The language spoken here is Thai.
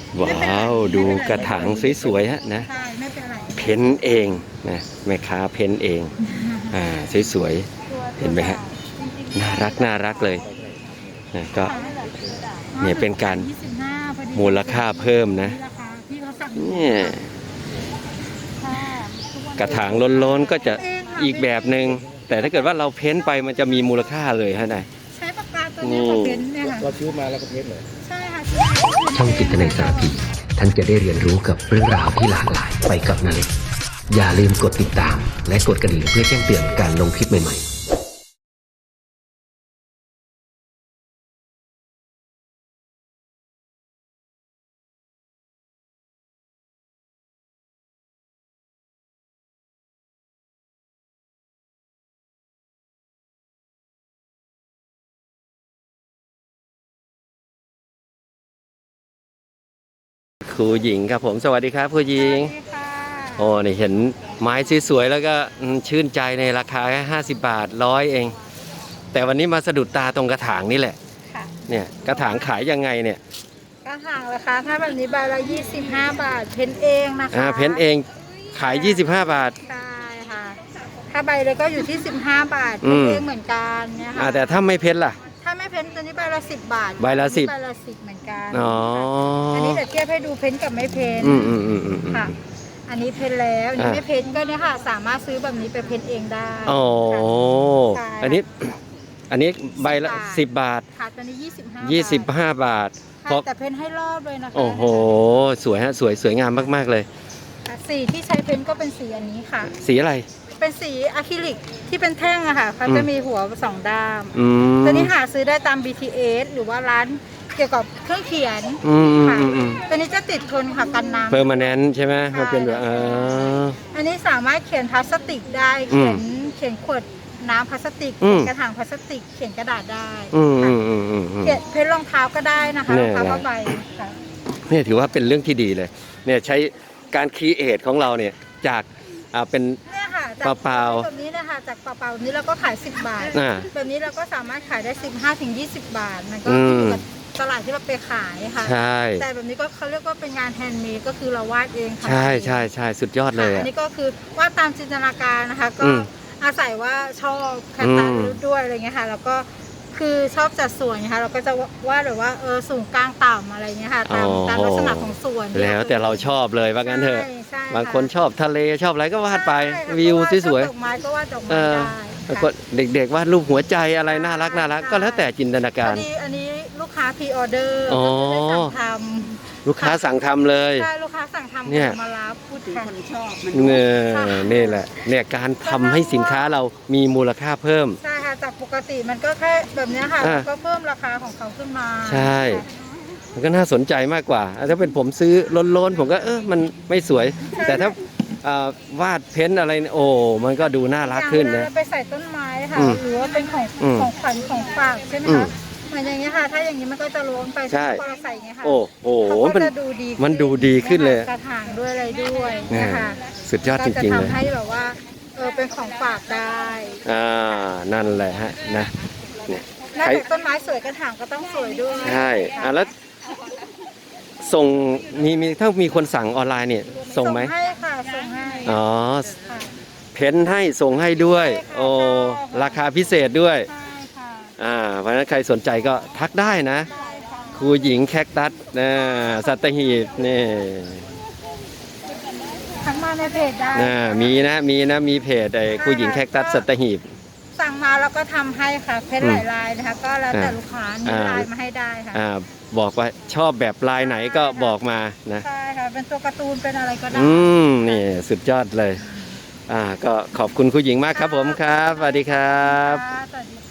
ว้าวดูกระถางสวยๆฮะนะใช่ไม่เป็นไรเพ้นเองนะแม่ค้าเพ้นเองสวยๆเห็นไหมฮะน่ารักเลยนะก็เนี่ยเป็นการมูลค่าเพิ่มนะเนี่ยกระถางล้นๆก็จะอีกแบบหนึ่งแต่ถ้าเกิดว่าเราเพ้นไปมันจะมีมูลค่าเลยฮะนายใช้ปากกาตัวนี้มาเพ้นเนี่ยค่ะเราซื้อมาแล้วก็เพ้นเลยใช่ค่ะช่องจิตนาสารพีท่านจะได้เรียนรู้กับเรื่องราวที่หลากหลายไปกับนาเล็กอย่าลืมกดติดตามและกดกระดิ่งเพื่อแจ้งเตือนการลงคลิปใหม่ๆครูหญิงครับผมสวัสดีครับครูหญิงโอ้นี่เห็นไม้สวยๆแล้วก็ชื่นใจในราคาแค่50 บาท100เองแต่วันนี้มาสะดุดตาตรงกระถางนี่แหละเนี่ยกระถางขายยังไงเนี่ยกระถางราคาถ้าแบบนี้ใบละ25 บาทเพ้นเองนะคะเพ้นเองขาย25 บาทใช่ค่ะถ้าใบเลยก็อยู่ที่15 บาทเพ้นเองเหมือนกันเนี่ยค่ะแต่ถ้าไม่เพ้นล่ะถ้าไม่เพ้นตัวนี้ใบละ10 บาทใบละ10 เหมือนกันอันนี้เดี๋ยวเทียบให้ดูเพ้นกับไม่เพ้นค่ะอันนี้เพ้นแล้วอันนี้ไม่เพ้นก็เนี่ยค่ะสามารถซื้อแบบนี้ไปเพ้นเองได้อันนี้ใบละ10 บาทค่ะตัวนี้25 บาทแต่เพ้นให้รอบเลยนะคะโอ้โหสวยฮะสวยงามมากๆเลยสีที่ใช้เพ้นก็เป็นสีอันนี้ค่ะสีอะไรเป็นสีอะคริลิกที่เป็นแท่งอะค่ะเขาจะมีหัว2 ด้ามตัวนี้หาซื้อได้ตาม BTS หรือว่าร้านเกี่ยวกับเครื่องเขียนค่ะตัวนี้จะติดทนค่ะกันน้ำเพอร์มาแนนต์ใช่ไหมมันเป็นแบบอันนี้สามารถเขียนพลาสติกได้เขียนขวดน้ำพลาสติกกระถางพลาสติกเขียนกระดาษได้เขียนเพ้นรองเท้าก็ได้นะคะรองเท้าผ้าใบเนี่ยถือว่าเป็นเรื่องที่ดีเลยเนี่ยใช้การครีเอทของเราเนี่ยจากเป็นเปล่าๆแบบนี้นะคะจากเปล่าๆแบบนี้เราก็ขาย10 บาทแบบนี้เราก็สามารถขายได้15 ถึง 20 บาทมันก็คือตลาดที่เราไปขายค่ะใช่แต่แบบนี้ก็เขาเรียกว่าเป็นงานแฮนด์เมดก็คือเราวาดเองค่ะใช่สุดยอดเลยอันนี้ก็คือวาดตามจินตนาการนะคะก็อาศัยว่าชอบแคตตาลูด้วยอะไรเงี้ยค่ะแล้วก็คือชอบจัดส่วนนะคะเราก็จะวาดแบบว่าสูงกลางต่ำอะไรเงี้ยค่ะตามลักษณะของส่วนแล้วแต่เราชอบเลยว่างั้นเถอะบางคนชอบทะเลชอบอะไรก็วาดไปวิวสวยๆดอกไม้ก็วาดดอกไม้ได้ก็เด็กๆวาดรูปหัวใจอะไรน่ารักก็แล้วแต่จินตนาการอันนี้ลูกค้าพรีออเดอร์สั่งทำลูกค้าสั่งทำเลยใช่ลูกค้าสั่งทำเนี่ยมารับพูดคนชอบนี่แหละเนี่ยการทำให้สินค้าเรามีมูลค่าเพิ่มใช่ค่ะจากปกติมันก็แค่แบบนี้ค่ะก็เพิ่มราคาของเขาขึ้นมาใช่มันก็น่าสนใจมากกว่าถ้าเป็นผมซื้อล้นๆผมก็มันไม่สวยแต่ถ้าวาดเพ้นอะไรโอ้มันก็ดูน่ารักขึ้นนะไปใส่ต้นไม้ค่ะหรือว่าเป็นของขวัญของฝากใช่ไหมคะเหมือนอย่างเงี้ยค่ะถ้าอย่างนี้มันก็จะล้นไปใช่พอเราใส่อย่างเงี้ยค่ะโอ้โหมันดูดีขึ้นเลยกระถางด้วยอะไรด้วยนะคะสุดยอดจริงๆเลยทำให้แบบว่าเป็นของฝากได้นั่นแหละฮะนะเนี่ยต้นไม้สวยกระถางก็ต้องสวยด้วยใช่แล้วส่งถ้ามีคนสั่งออนไลน์เนี่ยส่งไหมให้ค่ะส่งให้เพ้นให้ส่งให้ด้วยโอ้ราคาพิเศษด้วยเพราะฉะนั้นใครสนใจก็ทักได้นะครูหญิงแคคตัสสัตหีบนี่ทักมาในเพจได้มีเพจครูหญิงแคคตัสสัตหีบสั่งมาแล้วก็ทำให้ค่ะเพ้นหลายลายนะคะก็แล้วแต่ลูกค้ามีลายมาให้ได้ค่ะบอกว่าชอบแบบลายไหนก็บอกมานะใช่ค่ะเป็นตัวการ์ตูนเป็นอะไรก็ได้นี่สุดยอดเลยก็ขอบคุณครูหญิงมากครับผมครับสวัสดีครับ